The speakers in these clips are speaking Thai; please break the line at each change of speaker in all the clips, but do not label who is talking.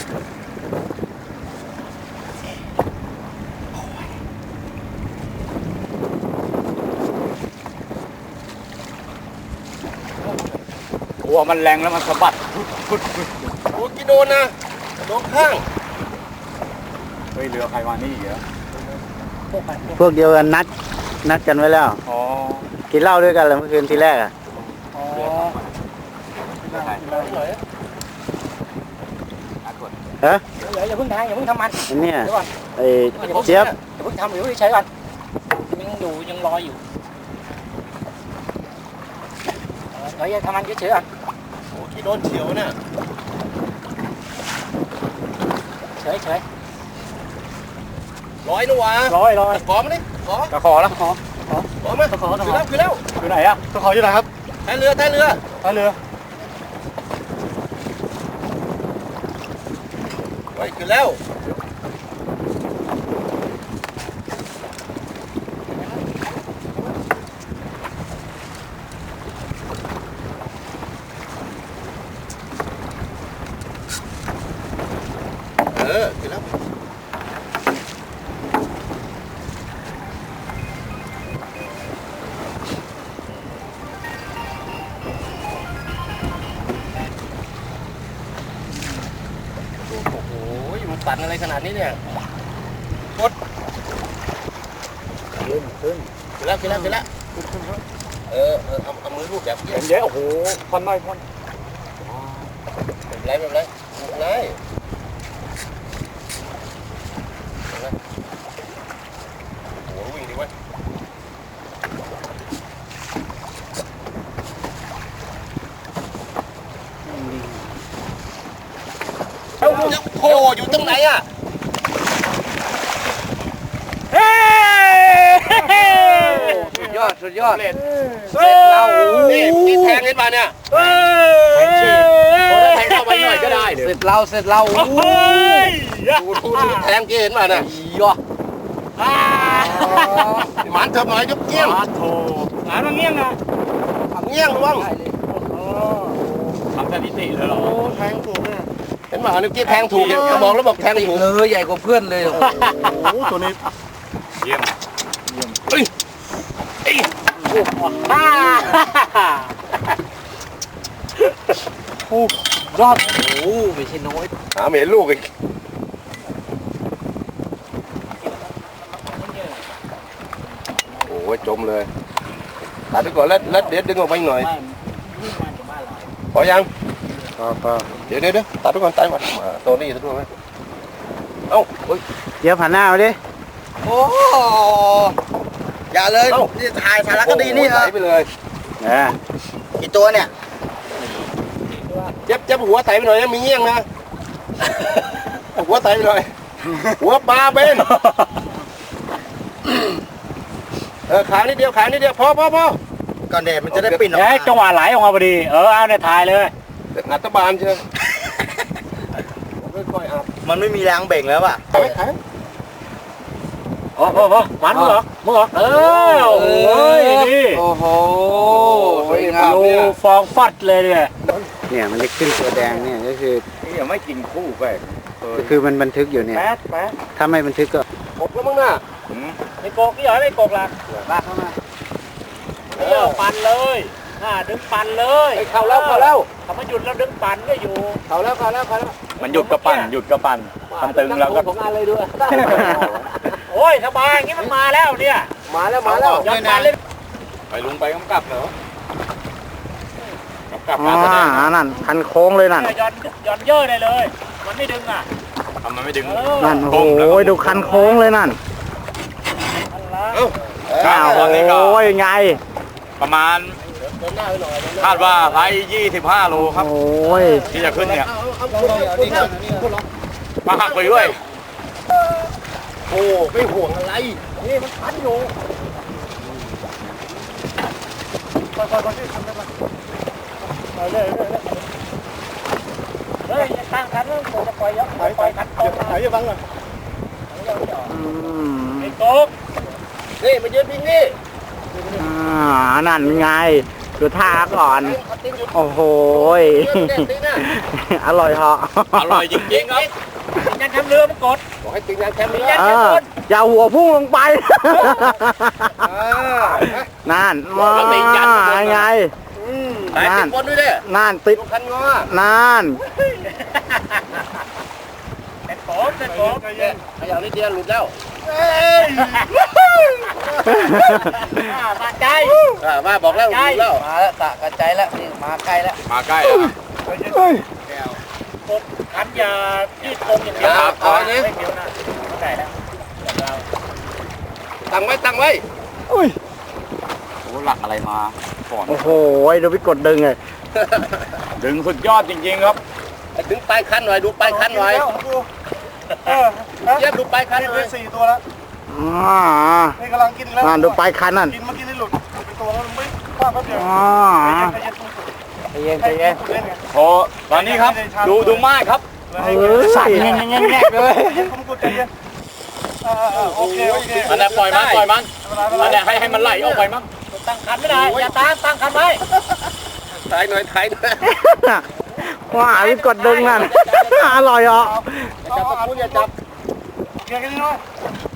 หัวมันแรงแล้วมันสะบัด
โอ้กี่โดนนะโดนข้าง
เฮ้ยเรือใครมานี่อีกแล้ว
พวกเดียวกันนัดกันไว้แล้ว
อ๋อ
กินเหล้าด้วยกันเลยเมื่อคืนทีแรกอ่ะ
อ๋อ
ฮะ
อย่าเพิ่งทำมัน
เนี่ยไอ้เจี๊ยบ
อย่าเพิ่งทำเดี๋ยวใช้ก่อนยังรออยู่เดี๋ยวทำมันเฉยๆก่อน
โอ้กี่โดนเฉียวเนี่ย
เฉย
ร้อยนะวะ
ร้อย
ขอมาดิ
ตะขอแล้ว
ขอ
มา
คือแล้ว
อยู่ไหนอะตะขออยู่ไหนครับ
ท้ายเรือไปขึ้นแล้วขึ้นแล้วปั่นอะไรขนาดนี้เนี่ยกด
ขึ้น
แล้วเอามือลูบแบบ
เยอะโอ้โหพ่นไม่พ่น
ไม่เป็นไรโอ้วิ่งดีเว้ยโอ้อยู่ตรงไหนอ่ะ
สุดยอด
เสร็จเรานี่แทงเห็นป่ะเนี่ย
แทงฉีดแทงเข้าไปหน่อยก็ได้
เสร็จเรา
ดูแทงเห็นป่ะเนี่ย
ย่อ
หมันเถิบหน่อยยกเกี้ยง
โถหมันเงี้ยงนะ
เงี้ยงระวัง
ทำสถิติเลยเหรอ
แทงถูกเนี่ยเห็นป่ะนี่กี้แทงถูกเขาบอกแล้วบอกแทงถูก
ใหญ่กว่าเพื่อนเลย
โอ้โหตัวนี้เยี่ยม
เฮ้ย
รอดโอ้ไม่ใช่น้อย
หาเมลูกอีกโอ้ยจมเลยตัดไปก่อนแล้วเดี๋ยวดึงออกไปหน่อยพอยังเดี๋ยวตัดไปก่อนตายหมดตัวนี้ตัวไหมเอ้า
เดี๋ยวผ่านหน้ามาดิ
โอ้อย่าเลยนี่ถ่ายสารคดีนี่ไหลไปเลยกี่ตัวเนี่ยเจ็บหัวไตไปหน่อยนะมีเงี้ยงนะหัวไตไปหน่อยหัวปลาเป็นขานิดเดียวพอก่อนเด็ดมันจะได้ปิ่นออกมา
จังหวะไหลออกมาพอดีเอาในถ่ายเลย
อัตบานเชียวค่อยๆอัพ
มันไม่มีแรงเบ่งแล้วอ่ะ
มันมึงเหรอโอ้ยนี่
โอ้โห
ดูฟองฟัดเลย
เนี่ยมันจะขึ้นตัวแดงเนี่ยก็คือ
นี่ยังไม่กินคู่ไป
ก็คือมันบันทึกอยู่เนี่ยถ้าไม่บันทึกก็
กบแล้วมั้งน่ะ
ไม่โกกนี่เหรอไม่โกกล่ะ
ลากเข้ามา
ปั่นเลยดึงปั่นเลย
เข้าแล้ว
ถ้ามันหยุดแล้วดึงปั่นก็อยู่
เข้าแล้ว
มันหยุดก็ปั่นทำตึงแล้วก็
ของอะไรด้วยโอ้ยสบายอย่างนี้มันมาแล้วเนี่ย
มาแล้ว
ย้อนปั่นเลย
ไปลุงไปกำกับเหรอ
นั่นคันโค้งเลยนั่น
ย้อนเยอะเลยมันไม่ดึงอ่ะ
ทำมันไม่ดึง
นั่นโอ้ยดูคันโค้งเลยนั่นโอ้ยไง
ประมาณคาดว่าไซส์25 โลครับ
โอ้ย
ที่จะขึ้นเนี่ยมาหักไปด้วย
โอ้ไม่ห่วงอะไร
นี่มันพันอยู่ค่อยๆทำได้ไหมเลยตั้งคันแล้วจะปล่อยเยอะปล่อยคันตรง
ไหนจะบังอ่ะ
ไอ้โต๊ะ
นี่มายืนพิงนี่
นั่นไงดูท่าก่อน โอ้โหยอร่อยเหาะ
อร่อยจริงๆครับ
ยังทำเรือมันกด
บอกให้ติงยางแคมนี้
อย่าหัวพุ่งลงไป นั่นมาไง
ไหนติดบนด้วยดิ
นั่นติด
คันงอ
นั่น
เป็นผมเนี่ย
ขยับนิดเดียวหลุดแล้ว
มาใจ
มาบอกแล้วหลุดแล้วมาแล้วตะกระจายแล้วนี่มาใกล้แล้ว
มาใกล้แล้ว
กดขันอย่าที่ตรงอย่างเดียวไม่เดียวนะเข้าใจแล้ว
ตั้งไว้ตั้งไว้
โอ้หลักอะไรมาก่อน
โอ้โหดูพี่กดดึงเลย
ดึงสุดยอดจริงๆครับ
ถึงปลายคันหน่อยดูปลายคันหน่อยเย็บดูปลายคันหน่อย
4 ตัวแล้ว นี่กำลังกินแล้ว
นั่นดูปลายคันนั่น
กินเมื่อกี้นี่หลุดเป็นตัวแล้วไม่คว้าแป๊บเดียวใจเย็น
ใจเย็น
โอ้ตอนนี้ครับดูมากครับ
สั่นแง่ๆเลย
ผมกดใจเย็นโอเค
อันนี้ปล่อยมันอันนี้ให้มันไหลออกไปมั้ง
ตั้งคันไม่ได้อย่าตั้งคันไว้
ถ่ายหน่อยถ่ายหน่อย
ว้าพี่กดดึงนั่นอร่อยเหรอ
จับตะปูอย่าจับ
เกี่ยกันนิดหน่อย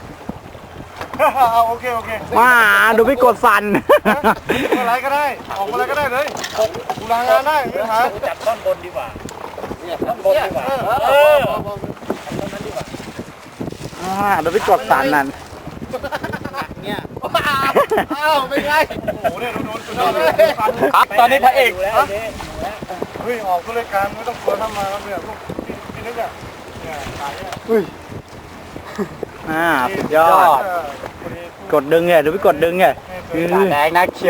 โอเค
ว้าดูพี่กดสั่น
อะไรก็ได้ออกอะไรก็ได้เลยกูลางานได้ไม่หาจับต้นบนดีกว่า
ต้นบนดีกว่า
ดูพี่กดสั่นนั่น
อ้าวไม่ไง
โอ้โหเนี่ยโดน
ครับตอนนี้พระเอก
เฮ้ยออกก็เลยการไม่ต้องกลัวทำมาแล้วเนี่ยพวกพี่นึกอ่ะเนี่ยขายเนี่ย
สุดยอด กดดึงไงดูพี่กดดึงไงแดงนักเขียว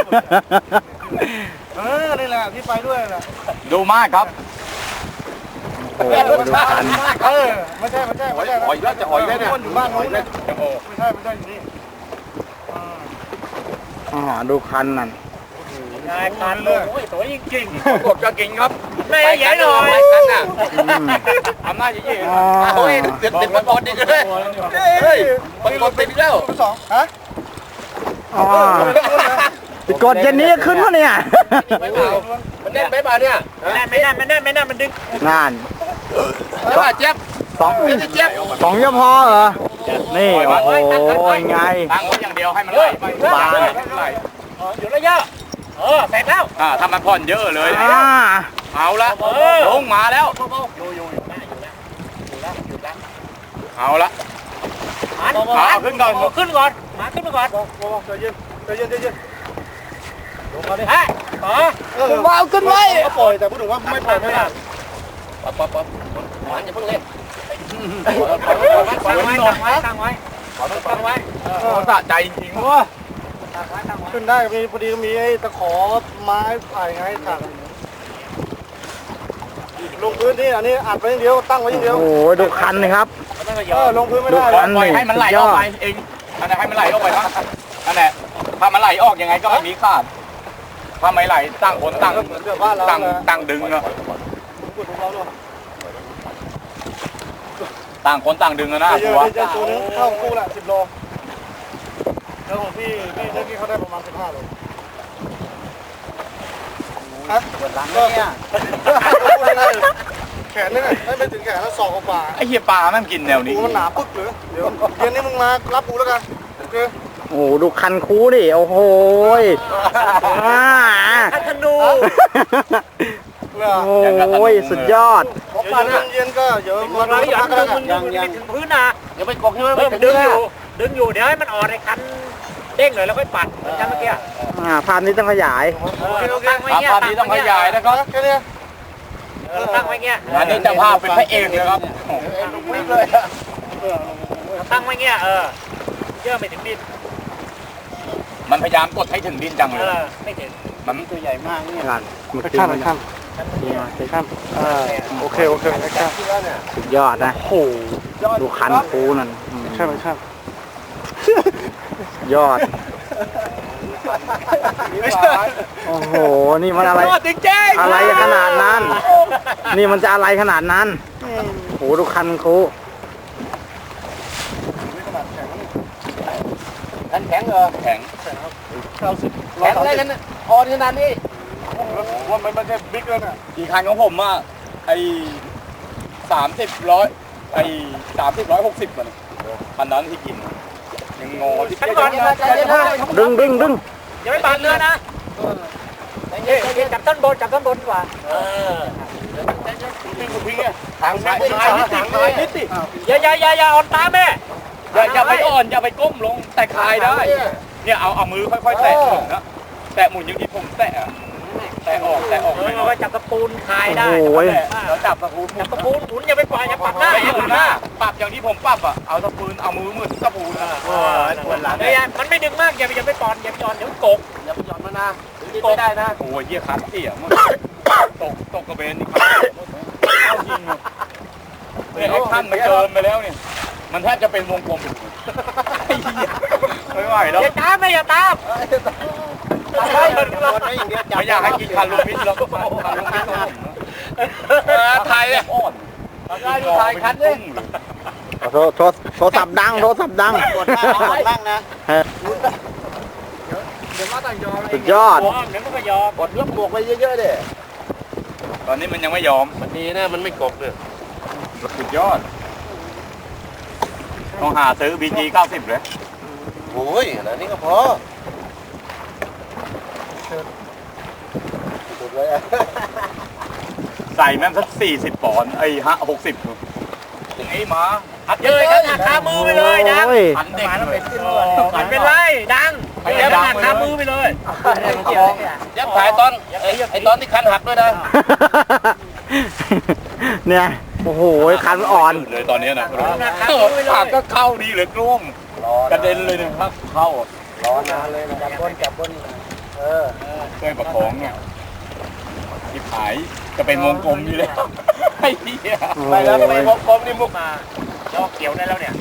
นี่แหละที่ไปด้วยแหละ
ดูมากครับ
โอ้โหดูคัน
ไม่ใช่
หอยแล้วจะหอยแล้วเนี่ย
คนอยู่บ้านนู้นเนี่ยไม่ใช่อยู่นี่
ดูคันนั่น
นายคันเลยโอ้ยสวยจริง
กดก็กินครับ
ๆไม่ใหญ่หน่อย
ทำหน้าจริง
โอ้ยติดมันบอลดิเลยเฮ้ยมันบอลติดแล้ว
สองฮะ
พี่กดเย็นนี้ขึ้นวะเนี่ย
ไม่เบามันแน่นไหมบ่าเนี่ย
ไม่นั่นมันดึง
นั่น
ไม่ว่าเจ็บ
สอง
ไม่เจ็บ
สองยังพอเหรอ นี่ โอ้โหไง
ตั้งไว้อย่างเดียวให้มันไหลไปไหล
อยู่ระยะเสร็จแล้ว
ถ้ามันผ่อนเยอะเลย เอาละลงมาแล้ว
อยู่แล้ว
เอาละ
ขึ้นก่อนมาขึ้นมาก่อนใจเย็นลงมาดิขึ้นไว้ปล่อยแต่พูดถึงว่าไม่ปล่อยไม่ได้
ปั๊บมันจะเพิ่งเล่น
ตั้งไว้
สะใจจริงๆว่า
ขึ้นได้มีพอดีมีไอ้ตะขอไม้ไผ่ไงถังลงพื้นที่อันนี้อัดไว้อย่างเดียวตั้งไว้อย่างเดียว
โอ้โหดูคันเลยครับ
ลงพื้นไม่
ดู
ได้
คัน
ปล่อยให้มันไหลออกไปเองอันนี้ให้มันไหลออกไปบ้างอันนี้ถ้ามันไหลออกยังไงก็ไม่มีขาดถ้าไม่ไหลตั้งคนตั้งดึงอะต่างคนต่างดึงนะ
เย
ตั
อะ
ว
จะตัวนึงเข้าคู่ละ10 โลแล้วของพี่เมื่อกี้เขาได้ประมาณ15 โลฮะแขนนี่ไงไม่ถึงแขนแล้วศอกกว่า
ไอ้เหี้ยปลาแม่งกินแนวนี้
กูมันหนาปึ๊กหรือเดี๋ยวเย็นนี้มึงมารับกูแล้วกันโอเค
โอ้โหดูคันคูดิ โอ้โหธนูโอ้ยสุดยอด
เย็นก็เดี๋ยวมาพักกันยังถึงพื้นนะ
เดี๋ยวไปกอกใช่ไหม
ดึงอยู่เดี๋ยวให้มันอ่อนในคันเด้งเลยแล้วค่อยปัดเหมือนกันเมื่อกี้
ภาพนี้ต้องขยาย
ตั้งไว้เงี้ย
ภาพนี้ต้องขยายนะครับ
แค่นี้ตั้งไว้เงี้ย
อันนี้เจ้าภาพเป็นพระเอกเลยครับ
วิ่งเลย
ตั้งไว้เงี้ยเยอะไปถึงดิน
มันพยายามกดให้ถึงดินจังเลย
ไม่ถึง
มัน
ตัวใหญ่มากเนี่ย
ขั้น
โอเค
สุดยอดนะดูคันคูนั่นยอด โอ้โห นี่มันอะไร อะไรขนาดนั้น นี่มันจะอะไรขนาดนั้นโอ้โหดูคันคู
แข็งเหรอ
แข็ง
แข็งได้กันนะ
อ
อ่อนขนาดนี้
ผมว่ามันไม่ใช่บิ๊กแล้วเนี่ย
กี่คันของผมอ่ะไอ้30 100ไอ้30 160มันคันนั้นที่กินยังงอที่
ขั้นตอน
ดึง
อย่าไม่ปาดเนื้อนะจับต้นบนดีกว่าทางซ้ายทางซ้ายนิดสิอย่าอ่อนตาแม่
อย่าไปอ่อนอย่าไปก้มลงแต่คลายได้เนี่ยเอามือค่อยๆแตะหมุนนะแตะหมุนอย่างที่ผมแตะออกไม่น้อย
จับตะปูนคายได้
โอ้ย
แล้วจับตะปูน
จับตะปูนหมุนอย่าไปปล่อยอย่าปักหน้าอย่าปักหน้า
ปรับอย่างที่ผมปรับอ่ะเอาตะปูนเอามือหมุนตะปูน
มันไม่ดึงมากอย่าไปปอนอย่าไปจอนเดี๋ยวกกอย่าไปจอนมันนะกกได้นะ
โอ้ยเยี่ยคันเสียมันตกกระเบนนี่ครับจริงเนี่ยไอ้ขั้นมันเกินไปแล้วเนี่ยมันแทบจะเป็นวงกลมไม่ไหวแล้ว
อย่าตามอย่าตาม
ไม่อยากให้กินคาร์ลูมิสแล้วก็คาร์ลูมิสของผมไทยเนี่ยอ่อน
ถ่ายคันเลย
โทรศัพท์ดัง
กดล่างนะเดี๋ยวมาต่างยอม
สุดยอด
เดี๋ยวมันก็ยอมกดเรื่องบวกไปเยอะๆเด้
ตอนนี้มันยังไม่ยอม
มันดีนะมันไม่กบเลย
สุดยอดต้องหาซื้อ BG 90เลย
โอ้ยอันนี้ก็พอสุดเลย
ใส่แม่งสัก40 ปอนด์ไอ้60ถึงไอ้หมา
หัดเลยกันหักขามือไปเลยดัง
โอ้ย
หันเด็กเลย
มันเป็นไรดังเดี๋ยวหักขามือไปเลยยับถ่ายตอนไอตอนที่คันหักด้วยนะ
เนี่ยโอ้โหคันอ่อน
เลยตอนนี้นะผักก็เข้าดีเลยกลุ้มกระเด็นเลยนะครับเข้าร
อนานเลยนะจับบน
ช่วยประคองเนี่ยที่ขายจะเป็นวงกลมอยู่แล้วไอ้เหี้ย
ไปแล้วไปวงกลมนี่มุกมาลอกเกี่ยวได้แล้วเนี่ย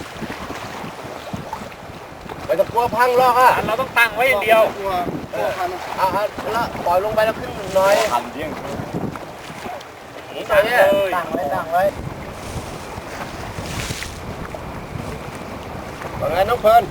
ไปตะกัวพังลอกอ่ะเราต้องตั้งไว้อย่างเดียวแล้วปล่อยลงไปแล้วขึ้นน้อย
ทันเที่ยง
ตั้งไว้ว่าไงน้องเพลิน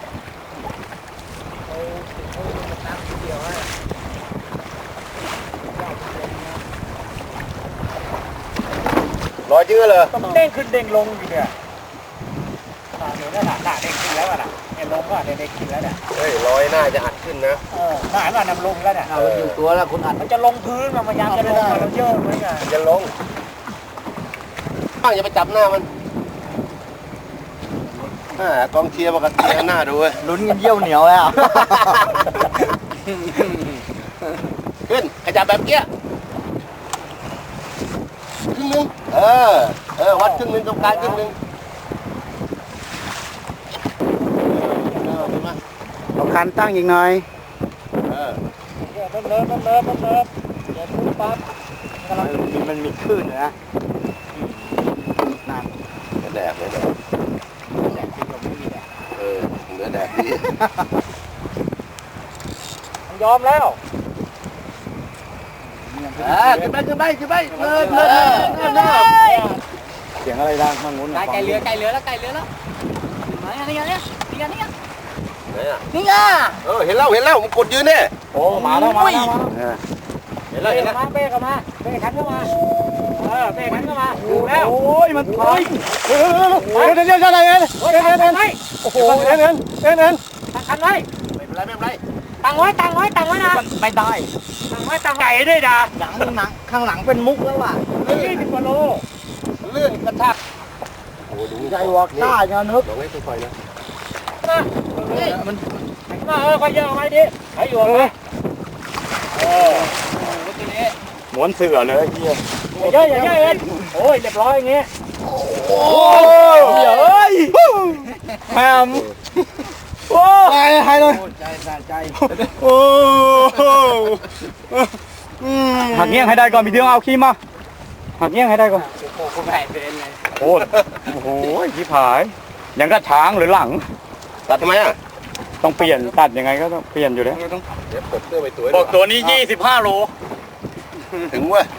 รอยเยอะเลยต้องเด้งขึ้นเด้งลงอยู่เนี่ยเดี๋ยวน่ะเด้งขึ้นแล้วน่ะเนี่ยลงก็เด้งขึ้นแล้วเนี่ยเฮ้ยรอยน่าจะอัดขึ้นนะน่านำลงแล้วเนี่ยเราอยู่ตัวแล้วคุณอัดมันจะลงพื้นมันพยายามจะลงมาเราเยอะไหมอ่ะจะลงอย่าไปจับหน้ามันกองเชียร์ปกติหน้าดูเว้ย
ลุ้นกันเยี่ยวเหนียวแล้ว
ขึ้นขยับแบบเกี้ยครึ่งนึงวัดครึ่งนึงตรงกลางครึ่งนึง
เอาคันตั้งอีกหน่อย
มันเลิฟเดี๋ยวพูดปั๊บ
มันมีคลื่นนะนั่น
แดกเลยเหลือแดกดียอมแล้วขึ้นไปเลิศ
เสียงอะไรดังข้างนู้น
ไก่เรือแล้วนี่ไงเห็นแล้วผมกดยืนเนี่ย
โอ้มาแล้ว
เห็นแล้วเป้เข้ามาเป้ขันเข้ามาเป้ขันเข้ามาแล้ว
โอ้ยมันถอยเดี๋ยวอะไรโอ้โหเอ็นคันไว้ไม่เป็นไร
ตั้งไว้นะไม่ได้ตั้งไก่ด้วยนะ
หนังข้างหลังเป็นมุกแล้วว่ะ
20 กว่าโลเลื่อนกระชาก
โอ้ดูใจวอกได้เงี้ยนึก
ลองให้ค่อยๆนะ
มัน
ค่อยเยอะไว้ดิให้อยู่ไหมทีนี้
ม้วนเสือเลยเฮีย
เยอะเอ็นโอ้ยเรียบร้อยอย่างงี้
โอ้ยแฮมโอ้ให้เลยใจโอ้หักเงี้ยงให้ได้ก่อนมีเรื่องเอาขี้มาหักเงี้ยงให้ได้ก่อน
ผมแผ่เป็นเลย
โอ้โหชิบหายยังก็ช้างหรือหลัง
ตัดทำไมอ่ะ
ต้องเปลี่ยนตัดยังไงก็ต้องเปลี่ยนอยู่แล้ว
เดี๋ยวปลดเสื้อไปตัว
บอกตัวนี้25 โล
ถึงเว้ย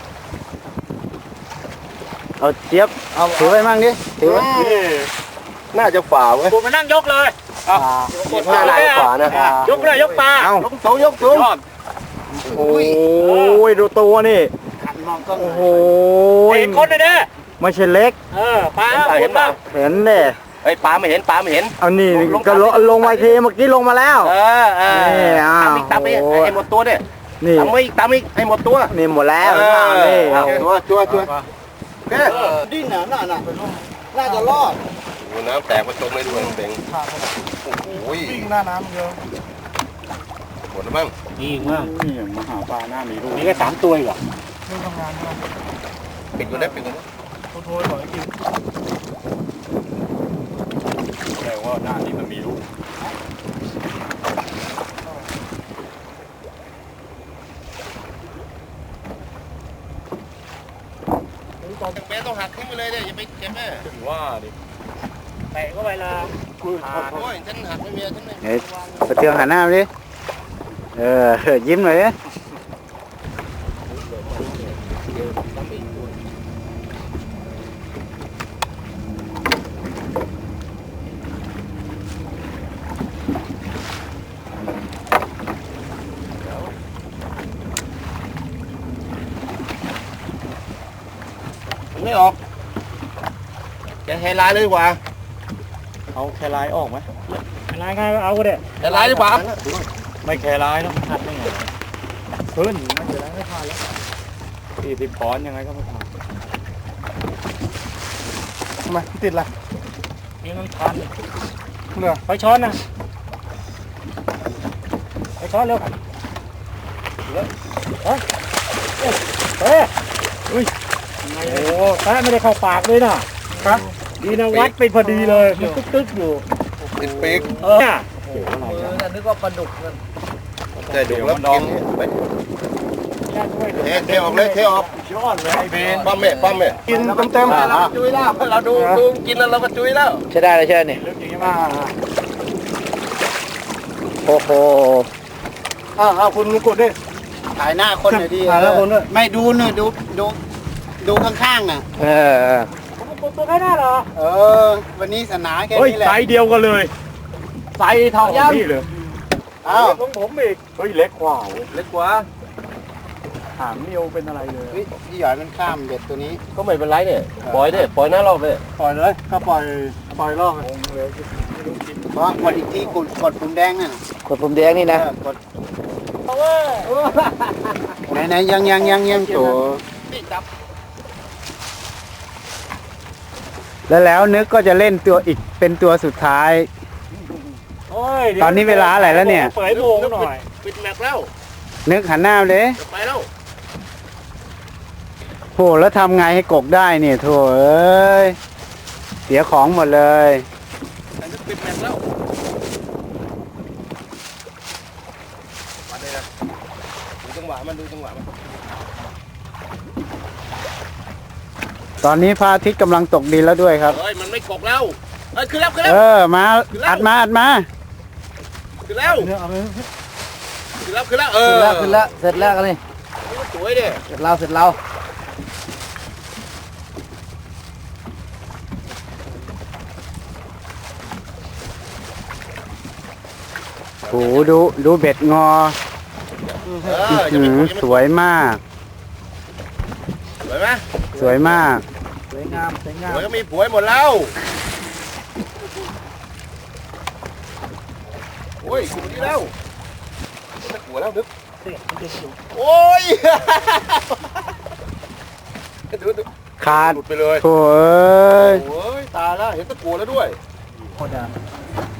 เอาเจี๊ยบเอาถือไปมั่งดิถือไว้
น่าจะฝ่าเว้ย
กูมานั่งยกเลย
หน้าไหนขวานะ
ยกเลยยกปลา
เอา
ยกสูง
โอ้ยดูตัวนี่โอ้โห
เห็นคนเลยเด้อ
ไม่ใช่เล็ก
ปลาเห็นป่ะ
เห็นเด้
เฮ้ยปลาไม่เห็นปลาไม่เห็น
เอานี่ก็ลงมาทีเมื่อกี้ลงมาแล้ว นี่อ้าว
ตามอีกให้หมดตัวเนี่ย
นี่
ตามอีกให้หมดตัว
นี่หมดแล้วนี่เอา
ตัว
ดิ้นน่ะน่าจะรอด
น้ำแตกมาจมไม่ด้วยเป่งโอ้ย
วิ่งหน้าน้ำเยอะ
หมดแล้วมั้ง
นี่มาก
นี่มาหาปลาหน้ามีลูก
นี่ก็3 ตัวอีกเหรอ
ไม่ทำงานนะ
ปิดกูได้ปิดกูได้
โทรหน่อยกิน
แปลว่าหน้านี้มันมีลูก
แม่ต้องหักทิ้งไปเลยเนี่ยอย่าไปเจ็บแม่
ถึงว่าดิแตะเข้าไปละ
โอ้ยฉันหักไม่เมียฉันเลย
เฮ้ยไปเที่ยวหันหน้ามาดิยิ้มหน่อยดิ
ไม่ออกแกแฮร์ไลน์เลยดีกว่า
เอาแคลายออกไหมแคลายไงเอาก็ได้
แฮร์ไลน์ดีกว่า
ไม่แคลายแล้วหัดได้ไงขึ้นไม่แคลายไม่ผ่านแล้ว40 ปอนด์ยังไงก็ไม่ผ่าน
ทำไมติดอะไร
นี่มันทัน
เหนื่อย
ไปช้อนนะไปช้อนเร็วเฮ้ยอุ้ยโอ้แท้ไม่ได้เข้าปากเลยนะครับดีนะวัดไปพอดีเลยมันตึ๊กๆอยู่
ติดปีก
นึกว่าปลาดุก
แต่ดูแล้วกินเทออกเลยเทออก
ยอดเลยไอ้เบน
ปั้มแม่
กินเต็ม
เราจุ้ยแล้วเราดูกินแล้วเราก็จุ้ยแล้ว
ใช่ได้เลยใช่เนี่ย
ลึกอย่างนี้
ๆ
มา
โอ้โห
คุณกดดิ
ถ่ายหน้าคนหน่อยดิ
ถ่ายแล้วคนด้วย
ไม่ดูหน่อยดูข้างๆน่ะ
ผมตัวแค่นั้นเหรอ
วันนี้สนาแค่
เฮ้ย
นี้แหละ
ไซส์เดียวกันเลยไซส์เท่ากับพี่เลย
อ้าว
ของผมอีกเฮ้ยเล็กกว่า
เล็กกว่า
หางเดียวเป็นอะไรเลย
พี่หยอยมันข้ามเด็ดตัวนี้ก็ไม่เป็นไรเนี่ยปล่อยหน้ารอบเลย
ปล่อยเลยก็ปล่อยรอบ
เพราะกดอีกทีกดปุ่มแดงน่ะ
กดปุ่มแดงนี่นะ
กดไหนยังตัว
แล้วนึกก็จะเล่นตัวอีกเป็นตัวสุดท้าย ตอนนี้เวลาอะไรแล้วเนี่ย
เปิดโมงหน่อย
ปิดแม็กแล้ว
นึกหันหน้ามาเลย
จะไปแล้ว
โหแล้วทำไงให้กกได้เนี่ยโถเอ้ยเสียของหมดเลย
ปิดแม็กแล้วมาเลยนะดูจังหวะมัน
ตอนนี้พระอาทิตย์กำลังตกดินแล้วด้วยครับ
เฮ้ยมันไม่กกแล้วขึ้นแล้ว
มาอัดมา
ขึ้นแล้ว
เนี่ยเอาไป
ขึ้นแล้ว
เสร็จแล้วกันเลย
สวยดิ
เสร็จแล้วโหดูเบ็ดงอสวยมาก
สวยไหม
สวยมาก
สวยงาม
สวยก็มีผัวหมดแล้วโอ้ยกูนี่แล้วหัวแล้วนึกโอ้ยดู
ขาด
หลุดไปเลย
โถเอ้ย
โอ้ยตายแล้วเห็นตะกัวแล้วด้วย
โคตร